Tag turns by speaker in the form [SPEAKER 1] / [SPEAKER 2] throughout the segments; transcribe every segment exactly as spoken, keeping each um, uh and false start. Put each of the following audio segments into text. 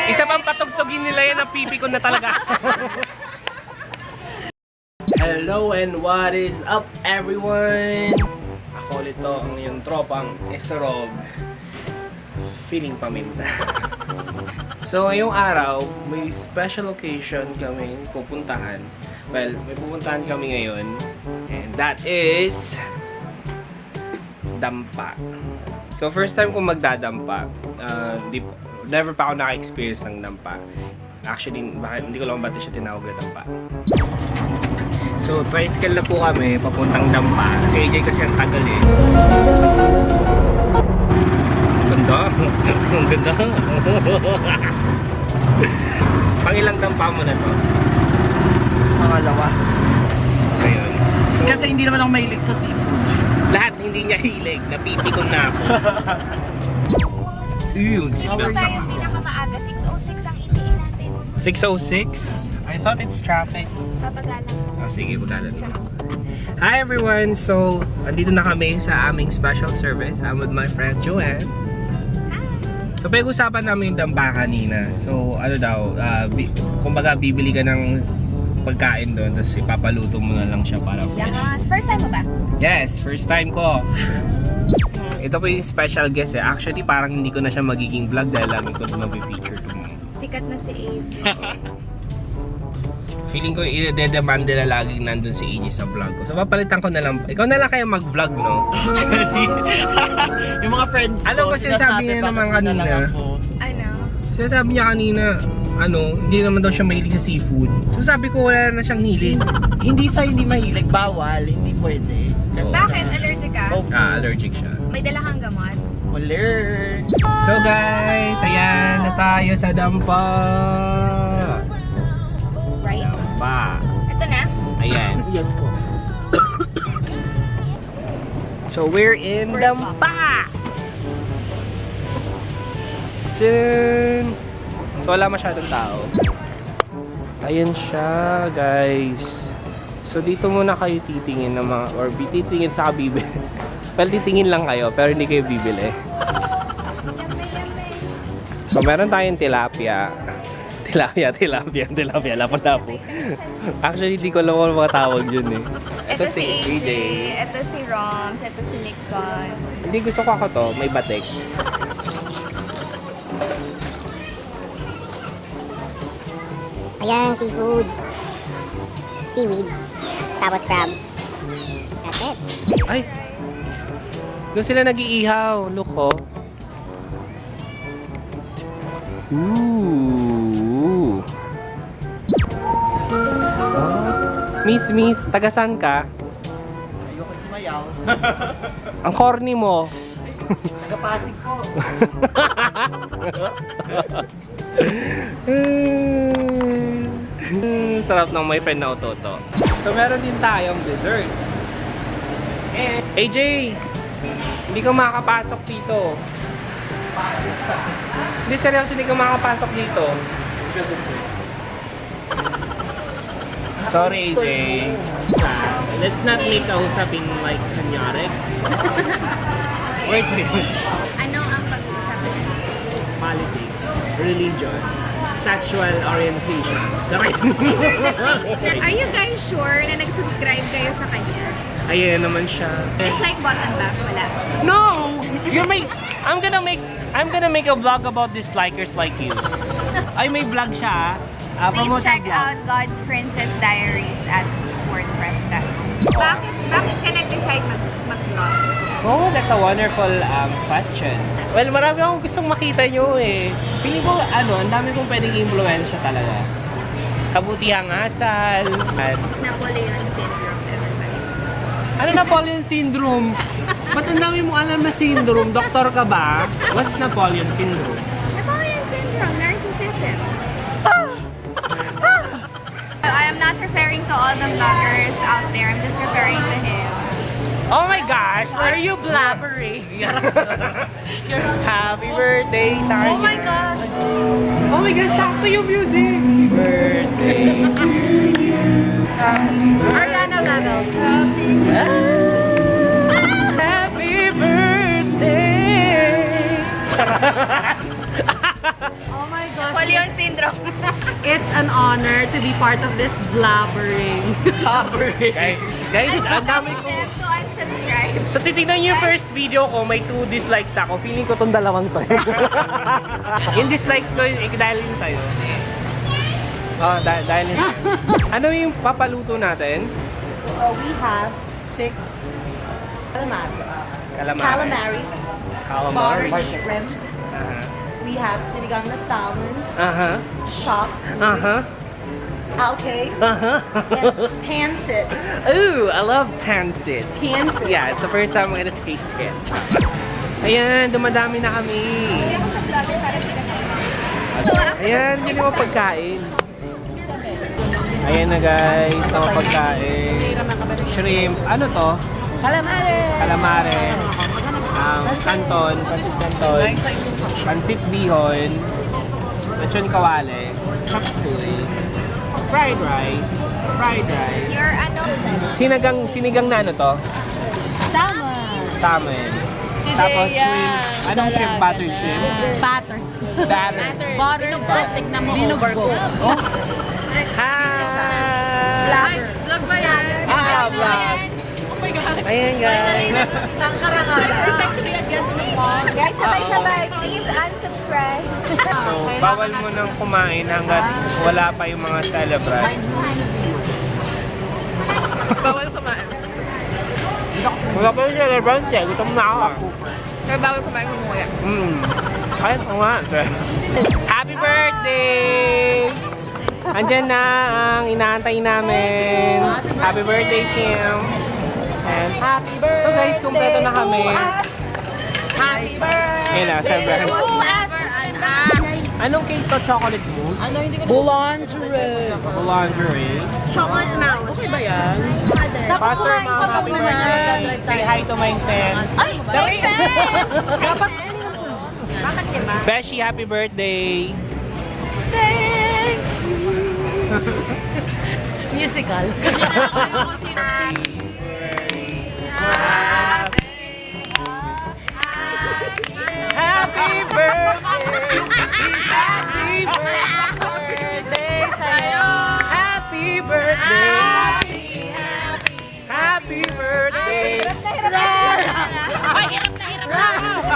[SPEAKER 1] Isa pang patugtugin nila yan ang pipi ko na talaga. Hello and what is up everyone? Ako ulit to, ang iyong tropang Esrob. Feeling paminta. So ngayong araw, may special occasion kami pupuntahan. Well, may pupuntahan kami ngayon. And that is dampa. So first time ko magdadampa. Uh, di, never pa ako naka-experience ng dampa. Actually, bakit, hindi ko lang ba't siya tinawag na dampa. So, tricycle na po kami, papuntang dampa. Si A J kasi ang tagal eh. Ganda. Ang ganda. Pangilang dampa mo na to?
[SPEAKER 2] Pangalawa.
[SPEAKER 1] So, yun. So,
[SPEAKER 2] Kasi hindi naman ako mahilig sa seafood.
[SPEAKER 1] lahat hindi niya hilig. Napipikon na ako. Ew,
[SPEAKER 3] Dito tayo pinakamaaga, six oh six ang itiin natin.
[SPEAKER 1] six oh six? I thought it's traffic.
[SPEAKER 3] Babagalan.
[SPEAKER 1] Oh, sige, bagalan mo. Hi everyone! So, andito na kami sa aming special service. I'm with my friend Joanne.
[SPEAKER 3] Hi!
[SPEAKER 1] So, pag-usapan namin yung damba kanina. So, ano daw, uh, bi kumbaga bibili ka ng pagkain doon, tapos ipapaluto mo na lang siya para fresh.
[SPEAKER 3] Yes. First time mo ba?
[SPEAKER 1] Yes, first time ko. Ito po yung special guest eh. Actually, parang hindi ko na siya magiging vlog dahil lagi ko ito mag-feature to mo.
[SPEAKER 3] Sikat na si A J.
[SPEAKER 1] Feeling ko i-demand nila laging nandun si A J sa vlog ko. So papalitan ko na lang. Ikaw na lang kayo mag-vlog, no?
[SPEAKER 2] Yung mga friends ko,
[SPEAKER 1] Alam ko sinasabi niya naman kanina.
[SPEAKER 3] Ano?
[SPEAKER 1] Sinasabi niya kanina, ano, hindi naman daw siya mahilig sa seafood. So sabi ko wala na siyang hilig.
[SPEAKER 2] Hindi sa hindi mahilig, bawal, hindi pwede. Kasi
[SPEAKER 3] Bakit? Allergic ka?
[SPEAKER 2] Oh,
[SPEAKER 1] Ah, allergic siya.
[SPEAKER 3] May dala kang gamot?
[SPEAKER 2] Waler.
[SPEAKER 1] So guys, ayan na tayo sa dampa.
[SPEAKER 3] Right?
[SPEAKER 1] Dampa.
[SPEAKER 3] Ito na?
[SPEAKER 1] Ayan.
[SPEAKER 2] Yes po.
[SPEAKER 1] So we're in
[SPEAKER 3] We're
[SPEAKER 1] dampa. Tsun! So wala masyadong tao. Ayan siya, guys. So dito muna kayo titingin ng mga, or titingin sa bibili. Well, titingin lang kayo, pero hindi kayo bibili. So meron tayong tilapia. Tilapia, tilapia, tilapia, lapo-lapo. Actually, di ko alam kung mga tawag yun eh.
[SPEAKER 3] Ito si A J. Ito si Roms. Ito si Nixon.
[SPEAKER 1] Hindi, gusto ko ako to, may batik.
[SPEAKER 4] Ayan, seafood. Seaweed. Tapos crabs. That's it.
[SPEAKER 1] Ay! Doon sila nag-iihaw. Look, oh. Ooh. Oh. Miss, miss, taga-san ka?
[SPEAKER 2] Ayoko sumayaw.
[SPEAKER 1] Ang corny mo.
[SPEAKER 2] Taga-Pasig po.
[SPEAKER 1] Mm, sarap ng my friend na ototo. So meron din tayong desserts. Eh, A J, hindi ka makakapasok dito. Hindi, seryoso, hindi ka makakapasok dito. Sorry, A J. Ah, let's not make a usapin like kanyari. Wait, wait.
[SPEAKER 3] Ano ang pag-uusapan natin?
[SPEAKER 1] Politics, religion, sexual orientation.
[SPEAKER 3] Are you guys sure na nag-subscribe kayo sa kanya?
[SPEAKER 1] Ayan naman siya.
[SPEAKER 3] It's like button ba? Wala.
[SPEAKER 1] No! You're make I'm gonna make I'm gonna make a vlog about dislikers like you. Ay, may vlog siya. Ah,
[SPEAKER 3] Please
[SPEAKER 1] promote
[SPEAKER 3] check
[SPEAKER 1] ang vlog.
[SPEAKER 3] out God's Princess Diaries at wordpress dot com. Bakit, bakit ka nag-decide mag- mag-vlog?
[SPEAKER 1] Oh, that's a wonderful um, question. Well, marami akong gustong makita nyo eh. Feeling ko, ano, ang dami kong pwedeng influensya talaga. Kabutihang asal. At,
[SPEAKER 3] Napoleon Syndrome, everybody.
[SPEAKER 1] ano Napoleon Syndrome? Ba't ang dami mong alam na syndrome? Doktor ka ba? What's Napoleon Syndrome?
[SPEAKER 3] Napoleon Syndrome, narcissism. I am not referring to all the vloggers out there. I'm just referring to him.
[SPEAKER 1] Oh my gosh, why are you blabbering? Happy birthday, Sarah.
[SPEAKER 3] Oh my gosh!
[SPEAKER 1] Oh my gosh, sakto yung music. Happy birthday to you.
[SPEAKER 3] Ariana levels.
[SPEAKER 1] Happy birthday.
[SPEAKER 5] Oh my gosh.
[SPEAKER 3] Napoleon syndrome.
[SPEAKER 5] It's an honor to be part of this blabbering.
[SPEAKER 1] guys, guys, ang dami ko.
[SPEAKER 3] Them to unsubscribe.
[SPEAKER 1] So titignan niyo yung first video ko, may two dislikes ako. Feeling ko tong dalawang to. Yung dislikes ko, eh, dahil yun sa'yo. Oh, dahil, dahil yun sa'yo. Ano yung papaluto natin?
[SPEAKER 5] So we have six calamari.
[SPEAKER 1] Calamari.
[SPEAKER 5] Calamari.
[SPEAKER 1] Calamari.
[SPEAKER 5] Buttered shrimp.
[SPEAKER 1] Aha.
[SPEAKER 5] We have sinigang na salmon.
[SPEAKER 1] Aha.
[SPEAKER 5] Shops.
[SPEAKER 1] Aha.
[SPEAKER 5] Okay.
[SPEAKER 1] Aha.
[SPEAKER 5] And pancit.
[SPEAKER 1] Ooh, I love pancit.
[SPEAKER 5] Pancit.
[SPEAKER 1] Yeah, it's the first time I'm gonna taste it. Ayan, dumadami na kami.
[SPEAKER 3] Hindi ako sa vlogger para pinakain.
[SPEAKER 1] Ayan, hindi mo pagkain. Ayan na guys, ang pagkain. Shrimp. Ano to?
[SPEAKER 5] Calamari.
[SPEAKER 1] Calamares. Um, canton. Pansit canton. Pansit bihon. Lechon kawale. Chop suey. Fried rice. Fried rice.
[SPEAKER 3] Your ano?
[SPEAKER 1] Sinigang, sinigang na ano to?
[SPEAKER 5] Salmon.
[SPEAKER 1] Salmon. Tapos shrimp. Anong shrimp? Buttered shrimp?
[SPEAKER 5] Butter.
[SPEAKER 1] Batter.
[SPEAKER 5] Butter. Tignan mo. Binugbog.
[SPEAKER 1] Oh. Hi!
[SPEAKER 5] Blabber.
[SPEAKER 3] Vlog ba yan?
[SPEAKER 1] Ah, vlog.
[SPEAKER 5] Oh my God.
[SPEAKER 1] Ayan guys.
[SPEAKER 3] Guys, sabay-sabay. Please unsubscribe.
[SPEAKER 1] So, bawal mo nang kumain hanggat wala pa yung mga celebrant.
[SPEAKER 3] Bawal kumain.
[SPEAKER 1] Wala pa yung celebrant eh. Gutom na ako.
[SPEAKER 3] Pero bawal kumain mo muna.
[SPEAKER 1] Mm. Ay, oo nga. Happy birthday! Andyan na ang inaantay namin. Happy birthday, Kim. And,
[SPEAKER 5] Happy birthday.
[SPEAKER 1] so guys, kumpleto na kami.
[SPEAKER 5] Happy birthday.
[SPEAKER 1] Ayun na, siyempre.
[SPEAKER 5] Whoever and I.
[SPEAKER 1] Anong cake to? Chocolate mousse?
[SPEAKER 5] Boulangerie.
[SPEAKER 1] Boulangerie.
[SPEAKER 5] Chocolate mouse. Okay ba yan?
[SPEAKER 1] Pastor, ma'am, happy birthday. Say hi to my fans.
[SPEAKER 5] Ay, my fans! Dapat... Bakit diba?
[SPEAKER 1] Beshi, happy birthday.
[SPEAKER 5] Thank Musical.
[SPEAKER 1] Happy birthday! Happy
[SPEAKER 5] Birthday sa'yo.
[SPEAKER 1] Happy birthday! Happy birthday!
[SPEAKER 5] Ay, hirap na hirap na.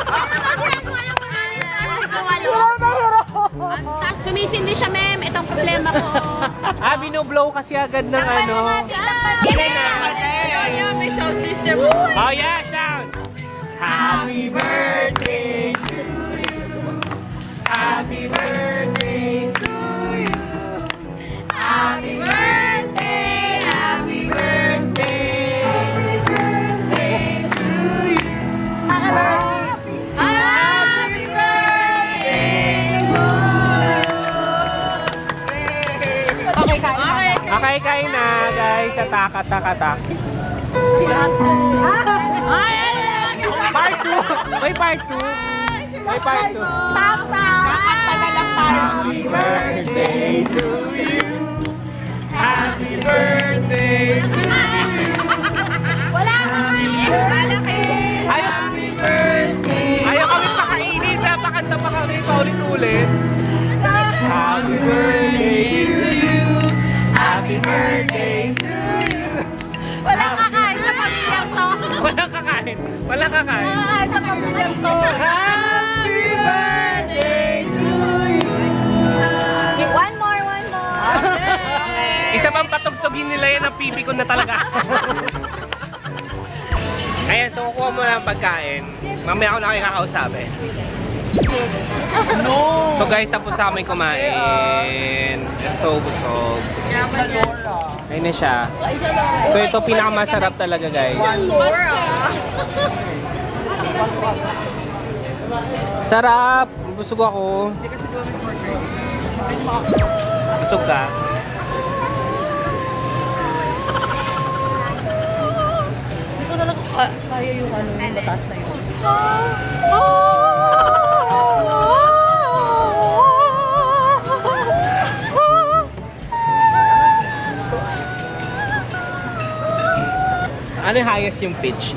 [SPEAKER 5] Sumisindi siya, ma'am. Itong problema ko.
[SPEAKER 1] Ah, binoblow kasi agad ng ano.
[SPEAKER 3] May sound system.
[SPEAKER 1] Oh yeah, sound! Happy birthday to you. Happy birthday to you. Happy birthday, happy birthday. Happy birthday to you. Happy birthday to you.
[SPEAKER 5] Okay, kain.
[SPEAKER 1] Okay, kain na guys. Atak, atak, atak. Part two! May part two! May part two!
[SPEAKER 5] Stop, stop. Padalang tayo.
[SPEAKER 1] Happy birthday to you! Happy birthday to you!
[SPEAKER 3] Wala kami. Wala kayo.
[SPEAKER 1] Ayaw, happy birthday! Ayaw kami pakainin. Napakanta pa kami paulit-ulit. Happy birthday to you! Happy birthday to you!
[SPEAKER 5] Walang kakain sa pamilyang to.
[SPEAKER 1] Walang kakain. Walang kakain.
[SPEAKER 5] Kakain sa pamilyang to.
[SPEAKER 1] Happy birthday to you!
[SPEAKER 3] One more, one more.
[SPEAKER 1] Isa pang patugtugin nila yan ang pipi ko na talaga. Ayan, so kukuha mo na ang pagkain. Mamaya ako na kayo kakausapin.
[SPEAKER 5] No.
[SPEAKER 1] So guys, tapos sa amin kumain. So busog. Ayun na siya. So ito pinakamasarap talaga guys. Sarap! Busog ako. Busog ka?
[SPEAKER 5] Hindi ko talaga kaya yung ano, yung batas na yun.
[SPEAKER 1] Ano yung highest yung pitch?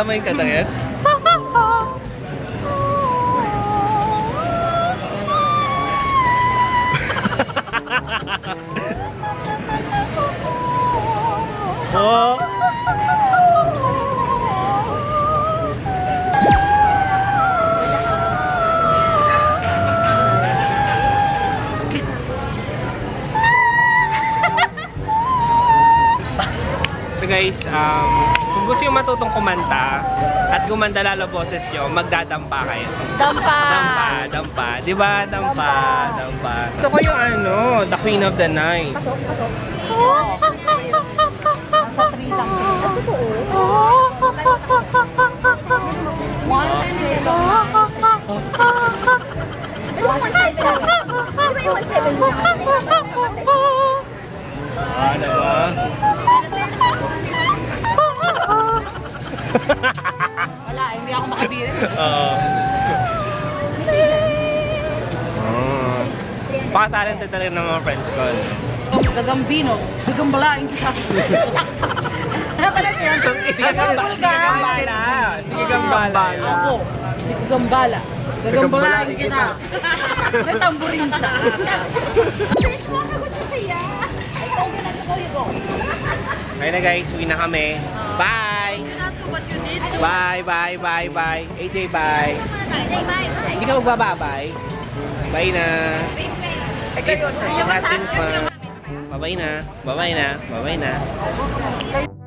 [SPEAKER 1] Alam mo yung kanta ngayon? Oh. So guys, um, kung gusto yung matutong kumanta at gumanda lalo boses nyo, magdadampa kayo.
[SPEAKER 5] Dampa!
[SPEAKER 1] Dampa, dampa. Di ba? Dampa, dampa. Ito ko yung ano, the queen of the night.
[SPEAKER 5] Nasa three lang. One,
[SPEAKER 1] Ah, ano ba?
[SPEAKER 5] wala, hindi ako makabirin.
[SPEAKER 1] Oo. Oh. Baka-talented talaga ng mga friends ko.
[SPEAKER 5] Gagambino, gagambalain kita. Ano pala siya?
[SPEAKER 1] Sige gambala. Sige gambala. Sige gambala.
[SPEAKER 5] Ako, si Gagambala. Gagambalain kita. Natamburin siya.
[SPEAKER 1] Ayun na guys, uwi na kami. Bye! Bye, bye, bye, bye. A J, bye. Hindi ka magbababay. Bye na. It has been fun. Bye-bye na. Bye-bye na. Bye-bye na.